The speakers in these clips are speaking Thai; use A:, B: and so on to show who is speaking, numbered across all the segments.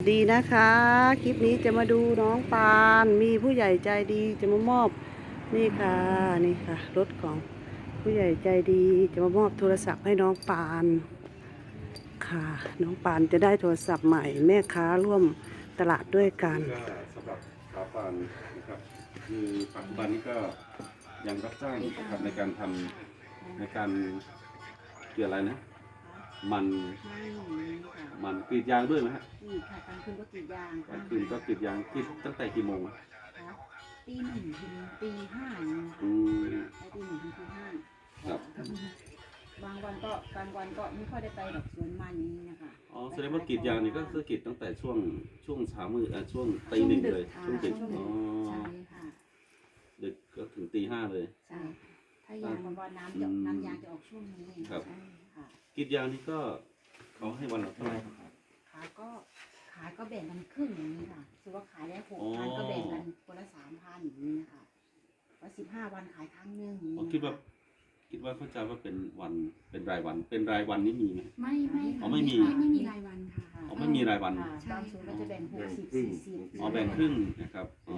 A: ดีนะคะคลิปนี้จะมาดูน้องปานมีผู้ใหญ่ใจดีจะมามอบนี่ค่ะนี่ค่ะรถของผู้ใหญ่ใจดีจะมามอบโทรศัพท์ให้น้องปานค่ะน้องปานจะได้โทรศัพท์ใหม่แม่ค้าร่วมตลาดด้วยกัน
B: ก็สำหรับสาวปานนะครับคือปัจจุบันนี้ก็ยังรับจ้างนะครับในการทำในการเกี่ยวอะไรนะมันมันกรีดยางด้วยไหมฮะ
C: นี่ค่ะกลางคืนก็กรีดยาง
B: กลางคืนก็กรีดยางกรีดตั้งแต่กี่โมง
C: ตีหนึ่งถึงตีห้า
B: อืม
C: ตีหนึ่งถึงตีห้า
B: ครับ
C: บางวันก็ไม่ค่อยได้ไปดอกสวนมันนี้นะคะ
B: อ๋อแสดงว่ากรีดยางนี่ก็คือกรีดตั้งแต่ช่วงเช้ามืดช่วงตีหนึ่งเลยช่วงดึกอ๋อ
C: ใช่ค่ะ
B: ดึกก็ถึงตีห้าเลย
C: ใช่ถ้ายางวันน้ำยางจะออกช่วงนี้
B: ครับ
C: ใช่ค่ะ
B: กรีดยางนี่ก็เขาให้วันละเท่าไหร่ครับ
C: ขายก็แบ่งกันครึ่งอย่างนี้ค่ะคือว่าขายได้6,000ก็แบ่งกันคนละ3,000อย่างนี้นะคะว่า15 วันขายครั้งหนึ่ง
B: คิดว่าเข้าใจว่าเป็นวันเป็นรายวันเป็นรายวันนี่มีไหม
D: ไม่
B: อ๋อไม่มี
D: รายวันค่ะ
B: อ๋อไม่มีรายวัน
C: บางศูนย์ก็จะแบ่ง60 40
B: อ๋อแบ่งครึ่งนะครับอ๋อ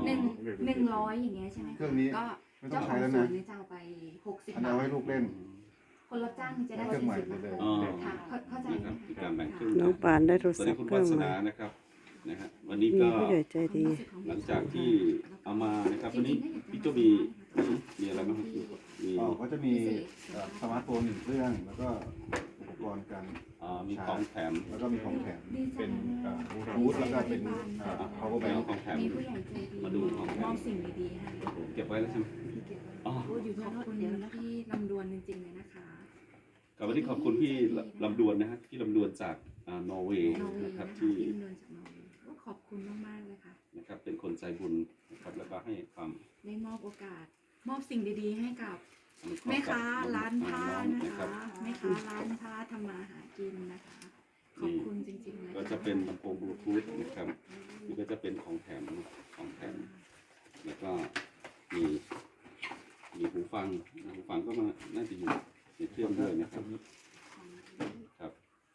D: 100อย่างเงี้ยใช่ไหม
E: เครื่องนี้
D: ก็
E: ไม่ต้อ
D: เจ้าง ขอ
E: ใช้
D: ง
E: แล้ว
D: สว
E: นะ
D: นเนี่ยจะเอาไป60
E: อัน
D: บา
E: เอา
D: ท
E: ไว้ลูกเล่น
D: คนรับจ้างจะได้
E: เครื่องใหม่ไปเลย
D: ค่ะเข้าใจ
B: นะครับมีการแบ่งครึ่ง
A: น้องปานได้โทร
B: สวัส
A: ศั
B: ดี
A: พท์
B: คุณ
A: เครื่
B: วั
A: อง
B: ฒ
A: ใหม่
B: นานะครับนะฮะวันนี้
A: มี
B: ก็
A: ผู้ใหญ่ใจดี
B: หลังจากที่เอามานะครับวันนี้พี่โจมีอะไรบ้างครับมี
E: ก็จะมีสมาร์ทโฟน1 เครื่องแล้วก็อุปกรณ์การ
B: มีของแถม
E: แล้วก็มีของแถมเป็นบลูทูธแล้วก็เป็น power
B: แบ
E: bank
B: ของแถม
D: มีผู้ใหญ่ใจดี
B: มาดูของแถ
D: มอ
B: ม
D: บสิ่งดีๆให้
B: เก็บไว้แล้วใช่ไหมอ๋อ
D: อยู่ขอบคุณพี่ลำดวนจริงๆเลยนะคะ
B: กับวันนี้ขอบคุณพี่ลำดวนนะฮะพี่ลำดวนจากนอร์เวย์
D: นอร์เวย์
B: นะค
D: นะ
B: รับ
D: คะ
B: ที่
D: พี่ลำดวนจากนอร์เวย์ก็ขอบคุณมากๆเลยค่ะ
B: นะครับเป็นคนใจบุญนะครับแล้วก็ให้ความ
D: ได้มอบโอกาส มอบสิ่งดีๆให้กับ
B: อนุเคราะ
D: แม่
B: ห์กับ
D: ค้าร้านผ้า
B: อง
D: นะ
B: นะครั
D: คะ
B: บ
D: แม่ค้าร้านผ้าทำมาหากินนะคะ ขอบคุณจริงๆเลย
B: ก็จะเป็นลำโพงบลูทูธนะครับนี่ก็จะเป็นของแถมแล้วก็มีหูฟังก็มาน่าจะอยู่ในเครื่องด้วยนะครับครับ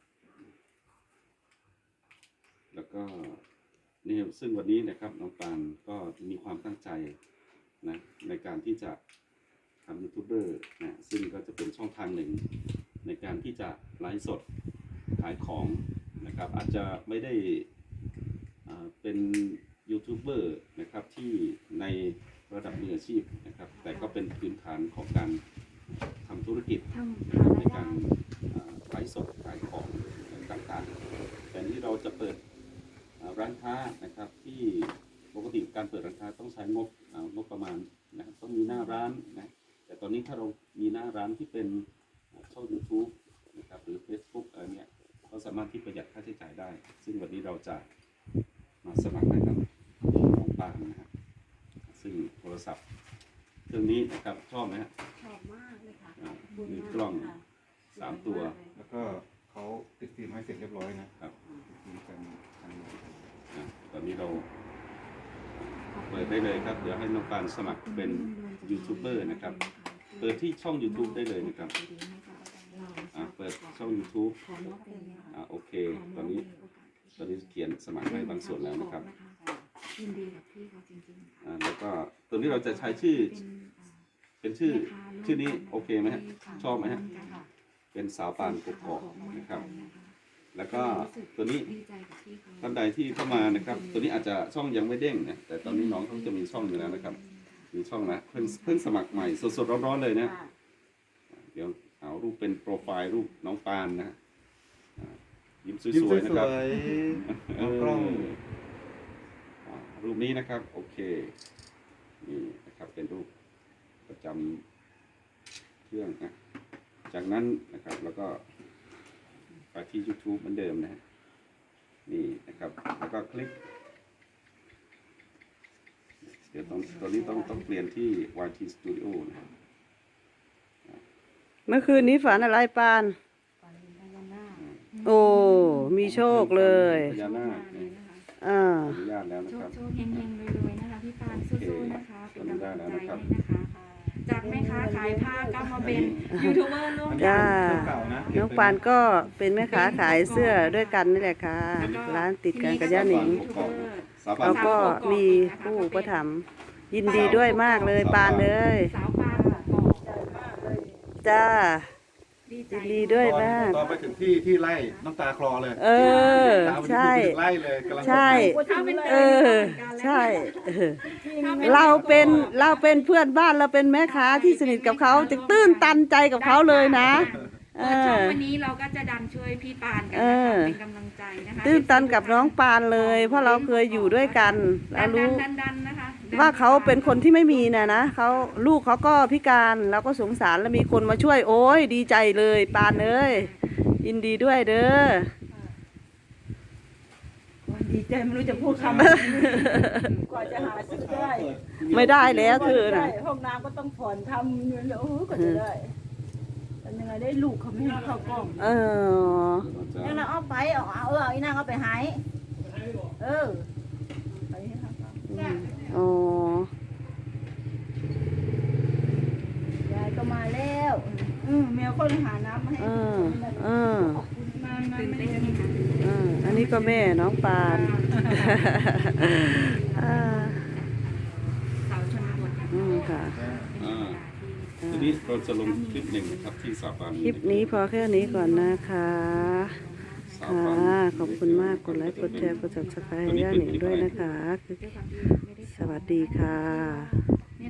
B: แล้วก็นี่ซึ่งวันนี้นะครับน้องปานก็มีความตั้งใจนะในการที่จะทำยูทูบเบอร์นะซึ่งก็จะเป็นช่องทางหนึ่งในการที่จะไลฟ์สดขายของนะครับอาจจะไม่ได้เป็นยูทูบเบอร์นะครับที่ในระดับมืออาชีพนะครับแต่ก็เป็นพื้นฐานของการทำธุรกิจในการไลฟ์สดขายของต่างๆแต่นี้เราจะเปิดร้านค้านะครับที่ปกติการเปิดร้านค้าต้องใช้งบประมาณนะครับต้องมีหน้าร้านนะแต่ตอนนี้ถ้าเรามีหน้าร้านที่เป็นช่อง YouTube นะครับหรือ Facebook อะไรเนี่ยเราสามารถที่ประหยัดค่าใช้จ่ายได้ซึ่งวันนี้เราจะมาสมัครให้กับน้องปานนะครับซึ่งโทรศัพท์เครื่องนี้นะครับชอบไหมฮะ
C: ชอบมากเลยค่ะ
B: มีกล้อง3 ตัว
E: แล้วก็เขาติดฟิล์มให้เสร็จเรียบร้อยนะครับมีกัน
B: ตอนนี้เราเปิดได้เลยครับเดี๋ยวให้น้องปานสมัครเป็นยูทูบเบอร์นะครับเปิดที่ช่อง YouTube ได้เลยนะครับเปิดช่อง YouTube โอเคตอนนี้เขียนสมัครให้บางส่วนแล้วนะครับ
D: ยินดีกับพี่เขาจริงๆ
B: แล้วก็ตัวนี้เราจะใช้ชื่อเป็นชื่อนี้โอเคไหมฮะชอบไหมฮะเป็นสาวปานกกอกนะครับแล้วก็ตัวนี้ท่านใดที่เข้ามานะครับตัวนี้อาจจะช่องยังไม่เด้งนะแต่ตอนนี้น้องเขาจะมีช่องอยู่แล้วนะครับมีช่องแล้วเพิ่งสมัครใหม่สดๆร้อนๆเลยนะเดี๋ยวเอารูปเป็นโปรไฟล์รูปน้องปานนะยิ้มสวยๆนะครับ
E: กล้อง
B: รูปนี้นะครับโอเคนี่นะครับเป็นรูปประจำเครื่องนะจากนั้นนะครับแล้วก็ไปที่ YouTube เหมือนเดิมนะนี่นะครับแล้วก็คลิกเดี๋ยวตอนนี้ต้องเปลี่ยนที่ YT Studio นะครับ
A: เมื่อคืนนี้ฝันอะไรปานโอ้มีโชคเลย
B: พญานาคเนี่ย
A: อ่า
B: อนุญาตแล้วนะ
D: โช
B: ครับ
D: คเฮงๆรวยๆนะคะพี่ปานสู้ๆนะคะเป็นกำลังใจให้นะคะจากแม่ค้าขายผ้าก็มาเป็นยูทูบเบอร์ร่วม
E: อัน
D: กั
E: นี้
D: น
E: เป็นเก่านะ
A: น้องปานก็เป็นแม่ค้าขายเสื้อด้วยกันนี่แหละค่ะ ร้านติดกันกับย่าหนิง
D: ยูทูบเบอร์
B: สาบา
A: เรา
B: น
A: ก็มีผู้อุประถมภ์ยินดีด้วยมากเลยปานเลย
D: สาวปานบอก
A: จ้า
D: ดีใจ
A: ยินดีด้วยมาก
E: ตอนไปถึงที่ไล่น้ำตาคลอเลย
A: เออ
E: ตามไป
A: ใช่
E: ถึงไล่เลยกำลัง
A: ใช่
D: ถ้าเป็น
A: เออ ใช่เออเราเป็นเพื่อนบ้านเราเป็นแม่ค้าที่สนิทกับเขาจะตื้นตันใจกับเขาเลยนะ เอ
D: ช่ว
A: อ
D: งวันนี้เราก็จะดันช่วยพี่ปานกัน
A: เอ
D: นะคะ
A: อ
D: เป็นกำลังใจนะคะ
A: ตื้นตันกับน้องปานเลย เพราะเราเคยอยู่ด้วยกันเรารู้
D: ดันนะคะดัน
A: ว่าเขาเป็นคนที่ไม่มีนะเขาลูกเขาก็พิการเราก็สงสารแล้วมีคนมาช่วยโอ้ยดีใจเลยปานเอ้ยยินดีด้วยเด้อ
F: ดีใจไม่รู้จะพูดคำ กว่าจะหาซื้อได้
A: ไม่ได้แล้วเธอ
F: ใช่
A: น่ะ
F: ห้องน้ำก็ต้องผ่อนทำเงินแล้วโอ้โหกว่าจะได้ทำยังไงได้ลูกเขาไม่ให้เข้ากล้อง
A: เออ
F: แล้วเราเอาไปเอาอีนางเอาไปหายเออไปให้เขากล้อง
A: อ๋อย
F: ายก็มาแล้วแมวคนหาน้ำมาให้
A: เออเออ
D: ตื่นเต้นไหมคะ
A: เอออันนี้ก็แม่น้องปานอ่า
D: สาวชนบท
A: ค่ะ
B: ทีนี้เราจะลงคลิปหนึ่งนะครับที่สาบาน
A: คลิปนี้พอแค่นี้ก่อนนะคะ
B: สา
A: ค่ะ
B: บาน
A: ขอบคุณมากกดไลค์กดแชร์กด subscribe ให้ย่าหนิงด้วยนะคะ สวัสดีค่ะ